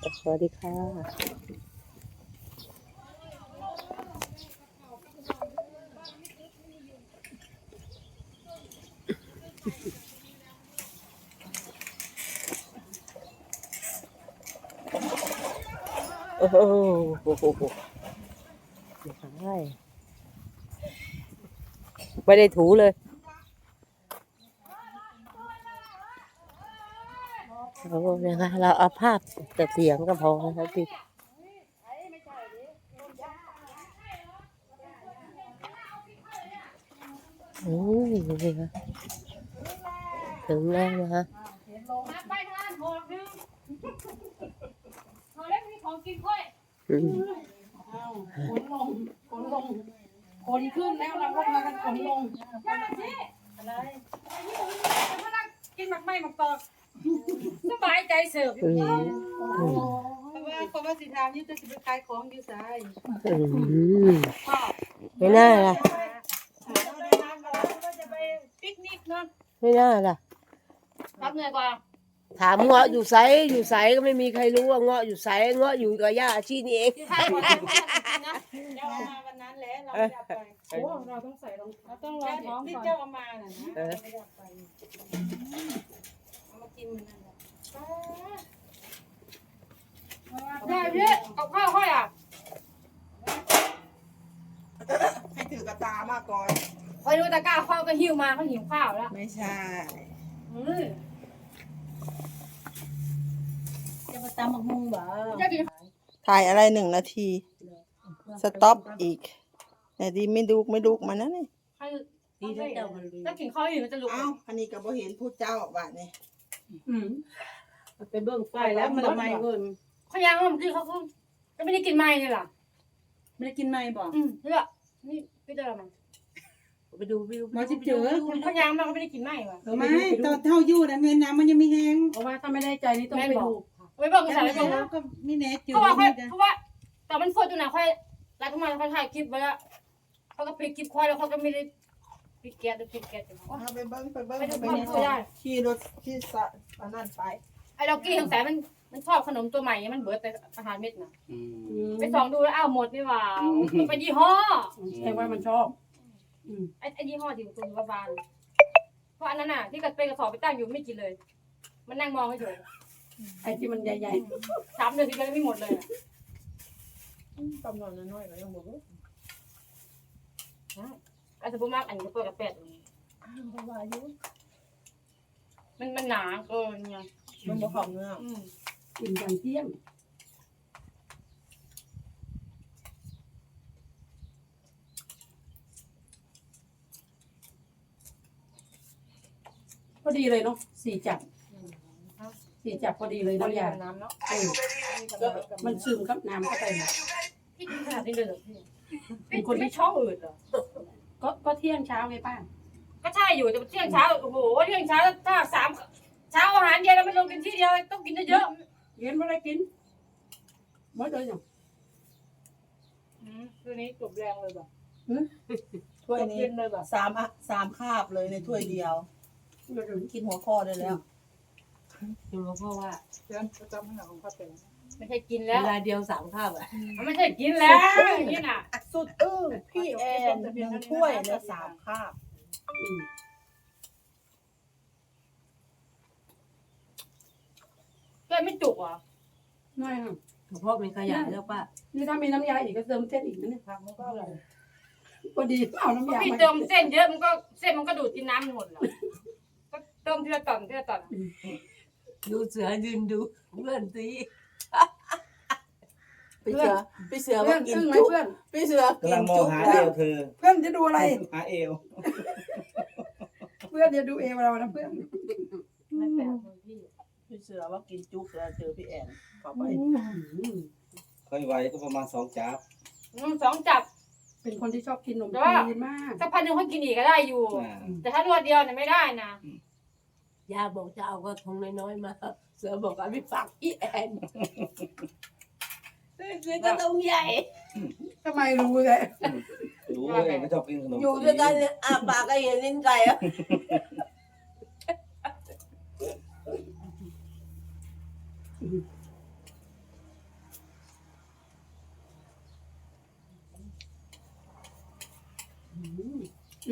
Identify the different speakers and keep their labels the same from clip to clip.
Speaker 1: สวัสดีค่ะโอ้โหไม่ได้ถูเลยเราเอาภาพแต่เสียงก็พอนะครับพี่นี่ค่ะถึงแล้วนะคะ
Speaker 2: ไปทานหกนึงพอแล้วมีของกินค่อยขนลงขนขึ้นแล้วเราก็มากันขนลงนั่นสิอะไรมานั่งกินหมักไหม้หมักตอกสบายใจเสิร์ฟเพราะว่าสิทามนี่จะไปขายของอยู่ไส
Speaker 1: ไม่น่าล่ะ
Speaker 2: จะไปปิกนิกเนาะ
Speaker 1: ไม่น่าล่ะ
Speaker 2: รับเหนื่อยกว่า
Speaker 1: ถามเงาะอยู่ไสอยู่ไสก็ไม่มีใครรู้ว่าเงาะอยู่ไสเงาะอยู่กับย่าอาชีนี่เอง
Speaker 2: ที่ท่าก่อนนะเจ้ามาวันนั้นแล้วเราไม่ได้ไปโอ้เราต้องใส่รองเราต้องรองท้องที่เจ้าเอามาน่ะนะไม่ได้ไปเอามากินมันนั่นแหละได้พี่กับข้าวค่อยอ่ะ
Speaker 3: ให้ถือกระตามากก่อน
Speaker 2: คอยดูตะกร้าข้าวก็หิวมาเขาหิวข้าวแล้ว
Speaker 3: ไม่ใช่
Speaker 2: จะมาตำบักมุงบ่จะกิน
Speaker 3: ถ่ายอะไร1 นาทีสต็อปอีกแต่ดีไม่ดูกมันนะนี่
Speaker 2: ดีแล้วเจ้ามันถ้ากินข้าวอยู่มันจะลุก
Speaker 3: เอ้าอันนี้ก็บ่เห็นผู้เจ้าบาดนี่
Speaker 2: ไปเบิ่งไฟแล้วมันทำไมเงินเขายังมันคือเขาก็ไม่ได้กินไม้เลยหรอ
Speaker 3: ไม่ได้กินไม้บ่
Speaker 2: เนี่ยนี่พี่เจอมัน
Speaker 1: ไปดู
Speaker 3: มาจิเจอ
Speaker 2: เขายังมันก็ไม่ได้กินไม้ว่ะ
Speaker 3: ไม่ตอนเท่าอยู่นะเงินน้ำมันยังไม่แห้ง
Speaker 2: เพราะว่าถ้าไม่ได้ใจนี่ต้องไปดูไปเบิ่งใส่ไปเบิ่ง
Speaker 3: ก็ไม่แน่จืด
Speaker 2: เพราะว่าแต่มันฟดอยู่นะค่อยไล่เข้ามาเขาถ่ายคลิปไว้แล้วเขาก็ปิดคลิปค่อยแล้วเขาก็ไม่ได้ปิดแก๊สหรือปิดแก๊ส
Speaker 3: เอาไปเบิ่งไปขี่รถขี่สะอันนั้นไป
Speaker 2: ไอ้ดอกกี้สงสัยมันชอบขนมตัวใหม่มันเบิดแต่อาหารเม็ดน่ะไปส่องดูแล้วอ้าวหมดนี่หว่ามันเป็นยี่ห้อ
Speaker 3: แสดงว่ามันชอบ
Speaker 2: ไอ้ยี่ห้อที่คุณว่าบานเพราะอันนั้นน่ะที่กระเป็นกระสอบไปตั้งอยู่ไม่กินเลยมันนั่งมองเฉย
Speaker 3: ไอ้ที่มันใหญ่
Speaker 2: ๆ3 เดือนที่แล้วไม่หมดเลย
Speaker 3: กำนอนน้อยๆก็ยังบ่รู้
Speaker 2: อาจจะพูดมากอันนี้ก็เปิดกระเป็ดมันหนาเกินไง
Speaker 3: มันบ่เข้าเนื้อ
Speaker 2: กินกันเที่ยง
Speaker 4: พอดีเลยเนาะ4 จับพอดีเลยน้ำยา
Speaker 2: น้ำเนาะ
Speaker 4: มันซึมครับน้ำเข้าไป
Speaker 2: พี่กินขนาดนี้เลยเหรอพี่เป็นคนที่ชอบอืดเหรอ
Speaker 4: ก็เที่ยงเช้าไงป้า
Speaker 2: ก็ใช่อยู่แต่เที่ยงเช้าโอ้โหเที่ยงเช้าถ้า3 เช้าอาหารเย็นเราไม่ลงกินที่เดียวต้องกินเยอะ
Speaker 4: เย็นไม่ได้กินไม่เลยอย่าง
Speaker 2: คืนนี้จบแรงเลยแบบ
Speaker 3: ถ้วยนี้3 คาบเลยในถ้วยเดียวกินหัวข้อได้แล้ว
Speaker 1: ดูเพราะว่า
Speaker 3: เพื่อนประจำให้หนังของข้าเป็น
Speaker 2: ไม่ใช่กินแล้ว
Speaker 1: เวลาเดียว3 คาบอ่ะ
Speaker 2: ไม่ใช่กินแล้วนี่น่ะ
Speaker 3: สุดพี่แอน1 ถ้วยใน3 คาบ
Speaker 2: ก็ไม่จุกอ่ะ
Speaker 4: ไม่ค่ะ
Speaker 1: เพราะมันขยายแล้วป้า
Speaker 4: นี่ถ้ามีน้ำยาอีกก็เติมเส้นอีกนะเนี่ย
Speaker 3: ผักมันก็อร่อย
Speaker 4: พอดีเอาน้ำยา
Speaker 2: พี่เติมเส้นเยอะเส้นมันก็ดูดกินน้ำหมดหรอก็เติมทีละตอน
Speaker 1: ดูเสือยืนดูเพื่อนซี
Speaker 3: พี่เสือว่ากินจุ๊บพี่เสือกินจุ๊บ
Speaker 5: หาเอวเธอ
Speaker 4: เพื่อนจะดูอะไร
Speaker 5: หาเอว
Speaker 4: เพื่อนจะดูเอวเรานะเพื่อน
Speaker 2: ไม่แปลก
Speaker 3: พี่เสือว่ากินจุ๊บแล้วเจอพี่แอนเข้าไป
Speaker 5: ค่อยไวก็ประมาณ2 จับ
Speaker 2: 2 จับ
Speaker 4: เป็นคนที่ชอบกินขนมจีนมาก
Speaker 2: สักพันหนึ่งเขากินอีกก็ได้อยู่แต่ถ้ารวดเดียวเนี่ยไม่ได้นะ
Speaker 1: ย่าบอกจะเอาก็ทงน้อยๆมาเสือบอกเอาไปฝากพี่แอนเสือก็ต้องใหญ่
Speaker 4: ทำไมรู้เลย
Speaker 5: รู้เองก็ชอบกินขนม
Speaker 1: อยู่ด้วยกันอาปากก็เห็นลิ้นไก่อ่ะ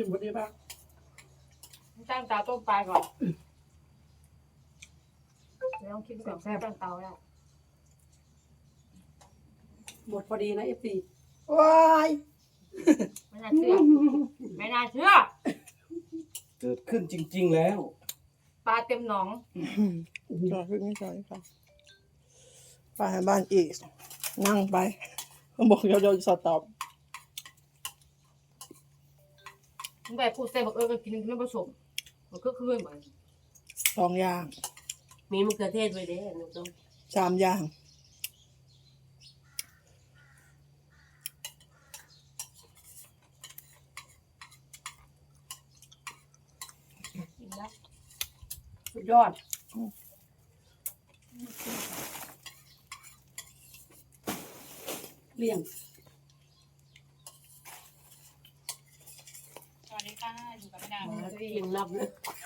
Speaker 4: พอดีป่ะ
Speaker 2: ตั้งเตาต้มปลาก่อนลองคิดก่อนตั้งเตาแล้ว
Speaker 4: หมดพอดีนะFC
Speaker 3: ว้าย
Speaker 2: ไม่น่าเชื่อไม่น่าเชื่อ
Speaker 5: เกิดขึ้นจริง ๆ แล้ว
Speaker 2: ปลาเต็มหนอง
Speaker 3: จอดขึ้นไม่จอดค่ะไปบ้านอีกนั่งไปบอกเดี๋ยวจะตอบ
Speaker 2: มึงแบบพูดเซ่บอกก็กินไม่ผสมมันก็คือเหมือน
Speaker 3: 2 อย่าง
Speaker 1: มีมะเขือเทศไว้เด้หนูต้อง
Speaker 3: 3 อย่าง
Speaker 2: กินแล้ว
Speaker 4: สุดยอดเลี่ยง
Speaker 2: สวัสดีค่ะอยู่กับแม่ดา
Speaker 1: กินนับเลย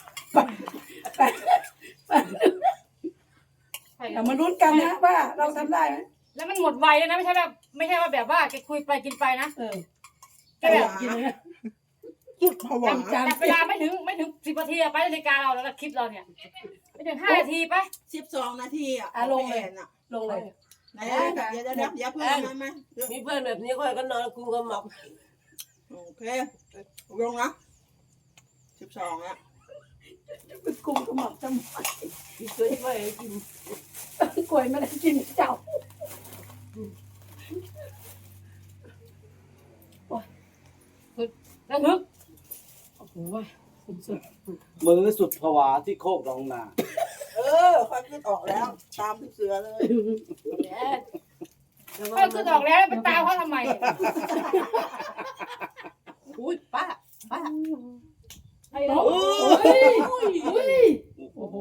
Speaker 4: แต่มาลุ้นกันนะว่าเราทำได้ไหม
Speaker 2: แล้วมันหมดไวแล้วนะไม่ใช่ว่าแบบว่าแกคุยไปกินไปนะ
Speaker 4: แกแบบกินเลย
Speaker 3: จุดผวา
Speaker 2: จับเวลาไม่ถึง10 นาทีไปนาฬิกาเราแล้วคลิปเราเนี่ยไม่ถึง5 นาทีไป
Speaker 3: 12 นาทีอ่ะ
Speaker 4: ลงเลย ลงเลย
Speaker 3: ไหนเดี๋ยวเพื่อนมา
Speaker 1: มีเพื่อนแบบนี้ค่อยก็นอนกูก็หมับ
Speaker 3: โอเคลงนะ12แล้ว
Speaker 4: เป็นกลุ่มขมับจำ
Speaker 1: ช่วยไม่ให้กิน
Speaker 4: กล้วยไม่ได้กินเจ้า
Speaker 2: แล้วนึก
Speaker 4: โอ้โหสุด
Speaker 5: มือสุดผวาที่โคกหนองนา
Speaker 3: ค่อยขึ้นออกแล้ว ตามพี่เสือเลย
Speaker 2: ก็คือออกแล้วไปตามเขาทำไม
Speaker 3: อุ้ยป้า
Speaker 2: ไอ้เรา
Speaker 4: โอ้โห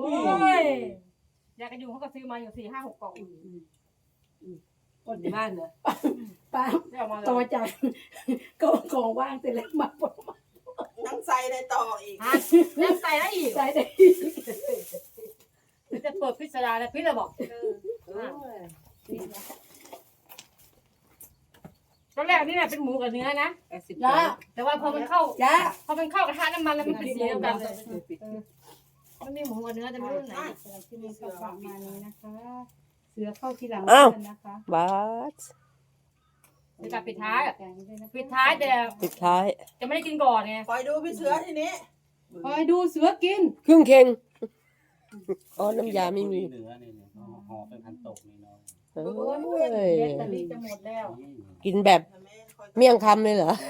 Speaker 2: ยากระยุงเขาก็ซื้อมาอยู่4, 5, 6 กล่อง
Speaker 1: คนในบ้านเหรอ
Speaker 4: ป้า
Speaker 2: ได้ออกมา
Speaker 4: ต่อ
Speaker 2: เลย
Speaker 4: จากก็ของว่างเสร็จแล้วมาปลดมา
Speaker 3: ทั้งใส่ได้ต่ออีก
Speaker 2: แล้วใส่ได้อีก
Speaker 4: ใส่ได้
Speaker 2: จะเปิดพิสดารแล้วพิสเลยบอกตอนแรกนี่เป็นหมูกับเนื้อนะ
Speaker 4: จ้า
Speaker 2: แต่ว่าพอมันเข้า
Speaker 4: จ้าก
Speaker 2: ระทะน้ำมันแล้วมันเป็นสีเดียวกันเลยมันมีหมูกับเนื้อแต่ไม่รู้ไหน
Speaker 4: ที่มีกระป๋องมานี้นะคะ เสือเข้าทีหลังนะคะ
Speaker 1: บาส
Speaker 2: จะปิดท้ายปิดท้ายแต่
Speaker 1: ปิดท้าย
Speaker 2: จะไม่ได้กินก่อนไง
Speaker 3: คอยดูพี่เสือทีนี้
Speaker 4: คอยดูเสือกิน
Speaker 1: ครึ่งเข่งอ๋อน้ำยาไม่มี
Speaker 5: เหนือนี่ห่อเป็นพันตกนี่เนาะ
Speaker 1: เอ้
Speaker 4: แบ
Speaker 1: ย
Speaker 4: ตเตอรี่จะหมดแล้ว
Speaker 1: กินแบบเมี่ยงคำเลยเหรอ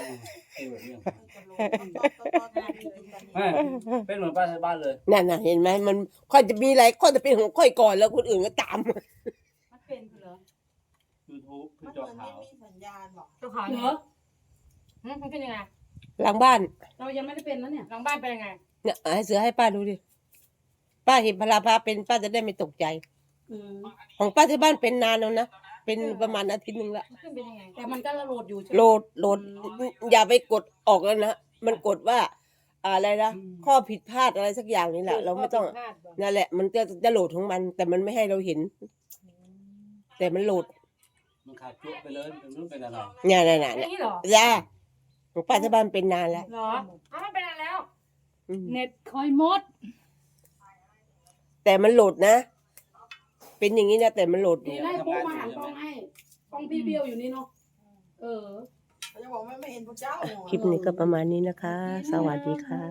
Speaker 5: เป็นเหมือนป้าที่บ้านเลย
Speaker 1: นั่นน่ะเห็นไหมมันค่อยจะมีอะไรค่อยจะเป็นของค่อยก่อนแล้วคนอื่นก็ตาม
Speaker 2: มันเป็นเหรอ
Speaker 5: YouTube พี่
Speaker 3: มัน
Speaker 5: จ
Speaker 3: เห
Speaker 5: อ
Speaker 3: มือน
Speaker 5: ขาว
Speaker 3: ไม่มีสัญญาณหรอก
Speaker 2: เจ้าขาว
Speaker 4: เหร
Speaker 2: เนี่ย
Speaker 4: อ
Speaker 2: มันเป็นยังไง
Speaker 1: หลังบ้าน
Speaker 4: เรายังไม่ได้เป็นนะเนี่ย
Speaker 2: หลังบ้านเป็นยังไง
Speaker 1: เนี่ยให้เสือให้ป้าดูดิป้าเห็นพลาพาเป็นป้าจะได้ไม่ตกใจ ของป้าที่บ้านเป็นนานแล้วนะเป็นประมาณอาทิตย์หนึ่งละ
Speaker 2: มันขึ้นเป็นยังไง
Speaker 4: แต่มันก็โหลดอยู่ใช่ไหม
Speaker 1: โหลดอย่าไปกดออกแล้วนะมันกดว่าอะไรนะข้อผิดพลาดอะไรสักอย่างนี่แหละเราไม่ต้องนั่นแหละ มันจะโหลดของมัน แต่มันไม่ให้เราเห็น แต่มันโหลด
Speaker 5: มันขาดจุไปเลยมันรู้เป็นอะไร
Speaker 1: เนี่ยเนี่ย
Speaker 2: อ
Speaker 1: เนี่ย
Speaker 2: ย่างนี้เหรอ
Speaker 1: จ้าของป้าที่บ้านเป็นนานแล้ว
Speaker 2: เหรออ้าวมันเป็นอะไรแล้ว
Speaker 1: อืม
Speaker 4: เน็ตคอยมด
Speaker 1: แต่มันโหลดนะ เป็นอย่างนี้นะแต่มันโหลดอ
Speaker 4: ดี
Speaker 1: ยู่
Speaker 4: ได้ปุ๊บมาหันกล้องให้กล้องพี่เบี้ยวอยู่นี่เนาะเออ
Speaker 3: เขาจะบอกไม่เห็นพระเจ้า
Speaker 1: คลิปนี้ก็ประมาณนี้นะคะ สวัสดีค่ะ